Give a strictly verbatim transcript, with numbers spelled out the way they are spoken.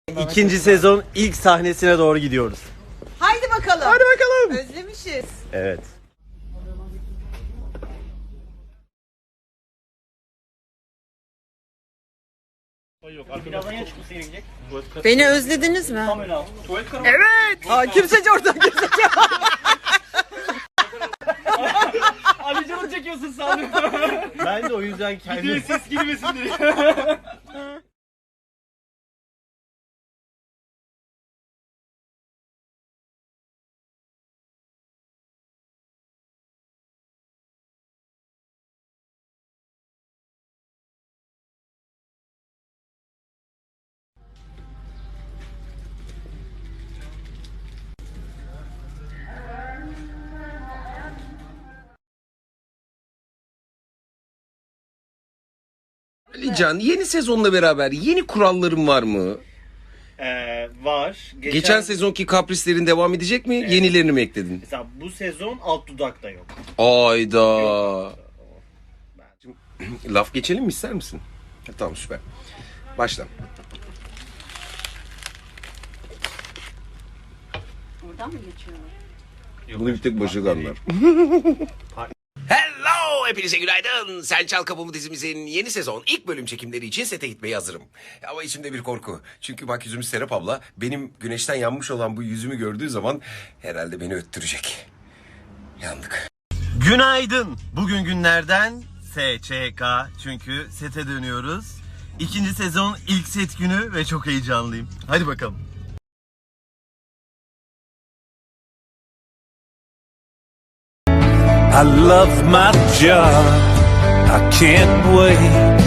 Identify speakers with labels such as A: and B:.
A: İkinci sezon ilk sahnesine doğru gidiyoruz.
B: Haydi bakalım.
A: Hadi bakalım.
B: Özlemişiz.
A: Evet.
B: Beni özlediniz mi?
A: Evet.
B: Aa, kimseci orada kimseci.
C: Ali canı çekiyorsun sandım.
A: Ben de o yüzden kendim...
C: Ses girmesin diye.
D: Alican, yeni sezonla beraber yeni kuralların var mı?
C: Ee, var. Geçen,
D: Geçen sezonki kaprislerin devam edecek mi? Yenilerini mi ekledin?
C: Mesela bu sezon alt dudak da yok.
D: Ayda. Laf geçelim mi, ister misin? Ha, tamam, süper. Başla.
B: Buradan mı geçiyor?
D: Bunu bir tek başı anlar. Hello! Hepinize günaydın. Sen Çal Kapımı dizimizin yeni sezon ilk bölüm çekimleri için sete gitmeye hazırım. Ama içimde bir korku. Çünkü bak yüzümüz Serap abla benim güneşten yanmış olan bu yüzümü gördüğü zaman herhalde beni öttürecek. Yandık.
A: Günaydın. Bugün günlerden S Ç K. Çünkü sete dönüyoruz. İkinci sezon ilk set günü ve çok heyecanlıyım. Hadi bakalım.
E: I love my job, I can't wait